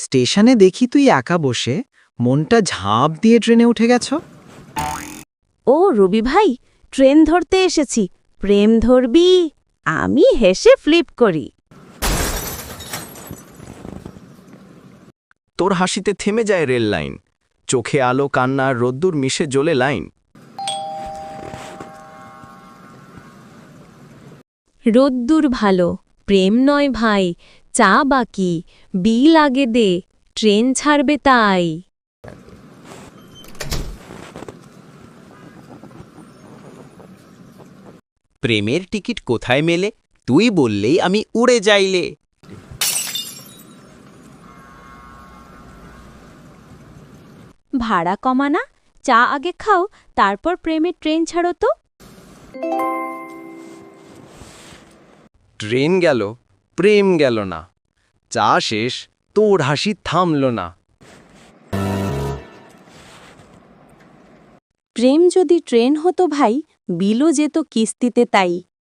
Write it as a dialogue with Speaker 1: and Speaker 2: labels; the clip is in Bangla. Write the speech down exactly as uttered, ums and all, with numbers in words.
Speaker 1: স্টেশনে দেখি তুই একা বসে মনটা ঝাঁপ দিয়ে ট্রেনে উঠে গেছ।
Speaker 2: ও রবি ভাই, ট্রেন ধরতে এসেছি, প্রেম ধরবি? আমি হেসে ফ্লিপ করি।
Speaker 3: তোর হাসিতে থেমে যায় রেল লাইন, চোখে আলো কান্না আর রোদ্দুর মিশে জ্বলে লাইন।
Speaker 2: রোদ্দুর ভালো, প্রেম নয় ভাই, চা বাকি, বিল আগে দে, ট্রেন ছাড়বে তাই।
Speaker 4: প্রেমের টিকিট কোথায় মেলে? তুই বললেই আমি উড়ে যাইলে।
Speaker 2: ভাড়া কমানা, চা আগে খাও, তারপর প্রেমের ট্রেন ছাড়ো তো।
Speaker 3: ট্রেন গেল, প্রেম গেল না, চা শেষ, তোর হাসি থামল না।
Speaker 2: প্রেম যদি ট্রেন হতো ভাই, বিলও যেত কিস্তিতে তাই।